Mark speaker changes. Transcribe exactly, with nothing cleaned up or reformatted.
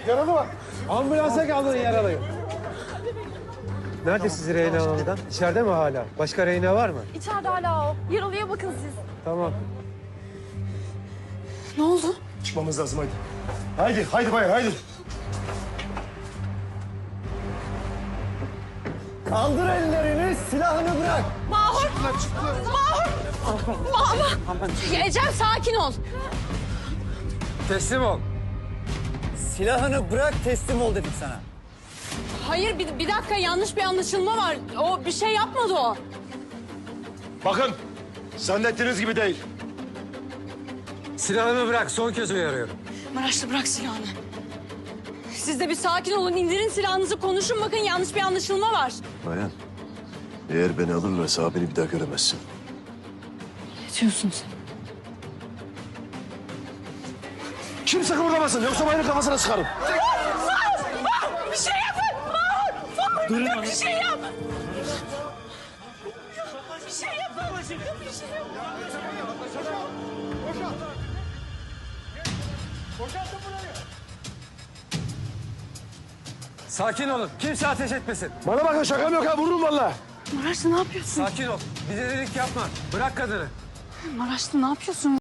Speaker 1: Yaralı var. Ambulansa kaldırın yaralıyı. Nerede siz Reyna Hanım'dan? İçeride mi hala? Başka Reyna var mı?
Speaker 2: İçeride hala o. Yaralıya bakın siz.
Speaker 1: Tamam.
Speaker 2: Ne oldu?
Speaker 3: Çıkmamız lazım haydi. Haydi, haydi bayan, haydi.
Speaker 1: Kaldır ellerini, silahını bırak.
Speaker 2: Mahur! Mahur! Mahur! Ecem sakin ol.
Speaker 1: Teslim ol.
Speaker 4: Silahını bırak, teslim ol dedim sana.
Speaker 2: Hayır bir, bir dakika yanlış bir anlaşılma var. O bir şey yapmadı o.
Speaker 3: Bakın, zannettiğiniz gibi değil.
Speaker 1: Silahını bırak, son kez uyarıyorum.
Speaker 2: Maraşlı bırak silahını. Siz de bir sakin olun. İndirin silahınızı konuşun bakın yanlış bir anlaşılma var.
Speaker 3: Bayan, eğer beni alırlarsa abini bir daha göremezsin.
Speaker 2: Ne diyorsun sen?
Speaker 3: Kimse kıpırdamasın, yoksa bayanın kafasına sıkarım.
Speaker 2: Bir şey yapın! Mahur!
Speaker 4: Durun
Speaker 2: Bir şey yap! Bir şey yapın! Bir şey yap!
Speaker 1: Sakin olun, kimse ateş etmesin.
Speaker 3: Bana bakın, şakam yok ha, vururum vallahi.
Speaker 2: Maraşlı ne yapıyorsun?
Speaker 1: Sakin ol, bir delilik yapma. Bırak kadını.
Speaker 2: Maraşlı ne yapıyorsun?